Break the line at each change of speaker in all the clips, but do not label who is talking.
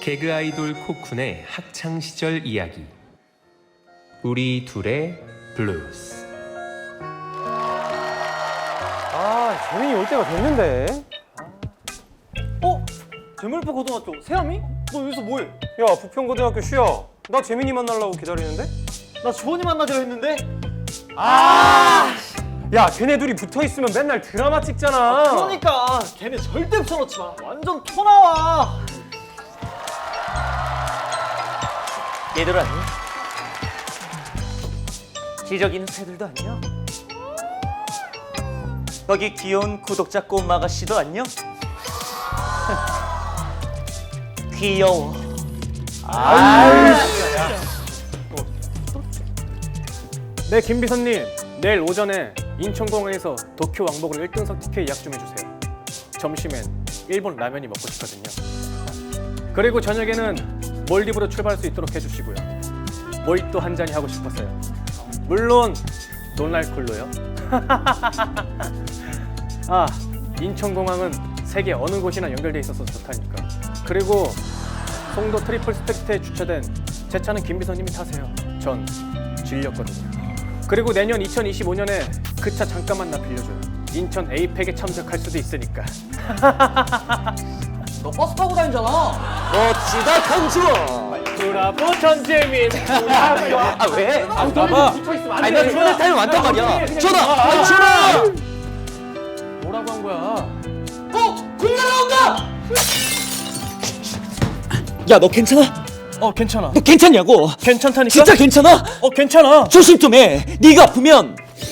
개그 아이돌 코쿤의 학창 시절 이야기. 우리 둘의 블루스.
아, 재민이 올 때가 됐는데.
재물포 고등학교 세아미? 너 여기서 뭐해?
야, 부평고등학교 쉬어. 나 재민이 만나려고 기다리는데?
나 주원이 만나기로 했는데.
야, 걔네 둘이 붙어있으면 맨날 드라마 찍잖아.
그러니까 걔네 절대 붙여놓지 마. 완전 토 나와.
얘들 안녕? 기저귀는 새들도 안녕? 거기 귀여운 구독자 꼬마 아가씨도 안녕? 귀여워.
네, 김비서님. 내일 오전에 인천공항에서 도쿄 왕복으로 1등석 티켓 예약 좀 해주세요. 점심엔 일본 라면이 먹고 싶거든요. 그리고 저녁에는 몰디브로 출발할 수 있도록 해주시고요. 모히또 한 잔이 하고 싶어서요. 물론 논알콜로요. 아, 인천공항은 세계 어느 곳이나 연결돼 있어서 좋다니까. 그리고 송도 트리플 스펙트에 주차된 제 차는 김비서님이 타세요. 전 질렸거든요. 그리고 내년 2025년에 그 차 잠깐만 나 빌려줘요. 인천 에이펙에 참석할 수도 있으니까.
너 버스 타고 다니잖아.
멋지다 강주원.
브라보 전재민.
아 왜?
아, 봐봐.
아니 나 주원을 타면 완단 말이야. 주원아! 주원아!
뭐라고 한 거야?
공 날라온다.
야 너 괜찮아?
괜찮아.
너 괜찮냐고?
괜찮다니까?
진짜 괜찮아?
괜찮아.
조심 좀 해. 네가 아프면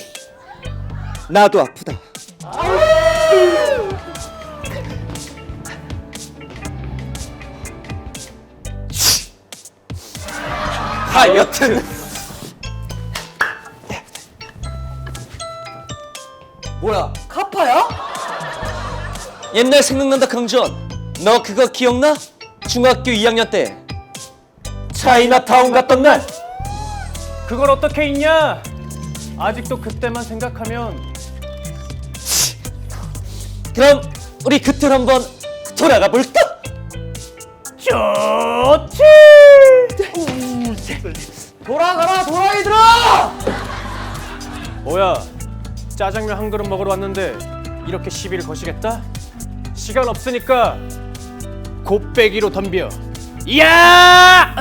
나도 아프다. 하여튼
뭐야? 카파야?
옛날 생각난다 강주원. 너 그거 기억나? 중학교 2학년 때 차이나타운 갔던 날.
그걸 어떻게 잊냐? 아직도 그때만 생각하면.
그럼 우리 그틀 한번 돌아가 볼까?
좋지.
돌아가라 도라이들아!
뭐야? 짜장면 한 그릇 먹으러 왔는데 이렇게 시비를 거시겠다? 시간 없으니까 곱빼기로 덤벼. 이야!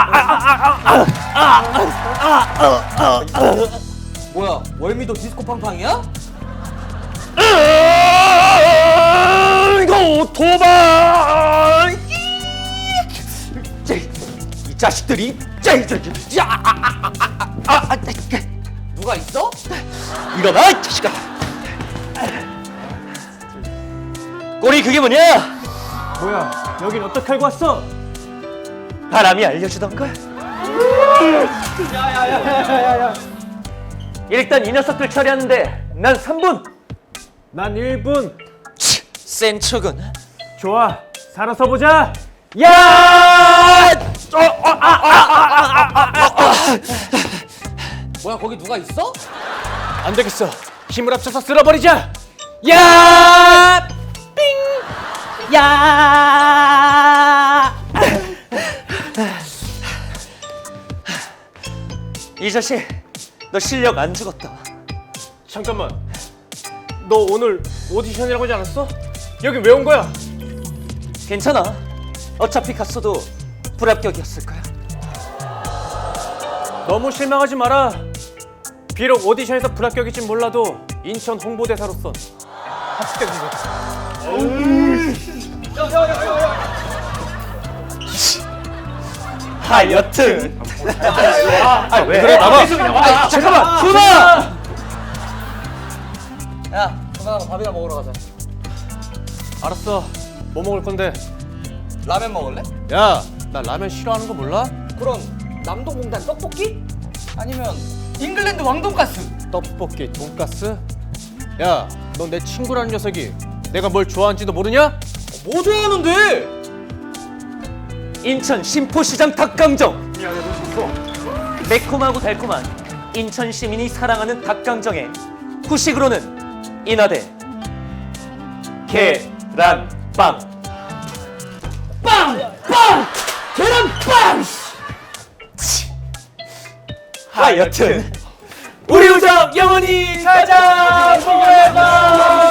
뭐야? 월미도 디스코 팡팡이야?
이거 도박! 이 자식들이
누가 있어?
일어나 이 자식아. 꼬리 그게 뭐냐?
뭐야? 여긴 어떻게 알고 왔어?
바람이 알려주던 걸.
야야야야야야.
일단 이 녀석들 처리하는데 난 3분.
난 1분.
센 척은.
좋아. 살아서 보자.
야!
뭐야 거기 누가 있어?
안 되겠어. 힘을 합쳐서 쓸어버리자. 야! 삥! 야!
이 자식, 너 실력 안 죽었다.
잠깐만. 너 오늘 오디션이라고 하지 않았어? 여기 왜 온 거야?
괜찮아. 어차피 갔어도 불합격이었을 거야.
너무 실망하지 마라. 비록 오디션에서 불합격일진 몰라도 인천 홍보대사로선 합격인 거지.
하여튼.
왜? 그래, 나가.
잠깐만, 준아!
야, 전화가 밥이나 먹으러 가자.
알았어. 뭐 먹을 건데?
라면 먹을래?
야, 나 라면 싫어하는 거 몰라?
그럼 남동공단 떡볶이? 아니면 잉글랜드 왕돈가스?
떡볶이, 돈가스? 야, 넌 내 친구라는 녀석이 내가 뭘 좋아하는지도 모르냐?
뭐 좋아하는데?
인천 신포시장 닭강정. 매콤하고 달콤한 인천 시민이 사랑하는 닭강정에 후식으로는 인하대 계란빵. 빵! 빵! 하여튼
우리 우정 영원히 가자! forever!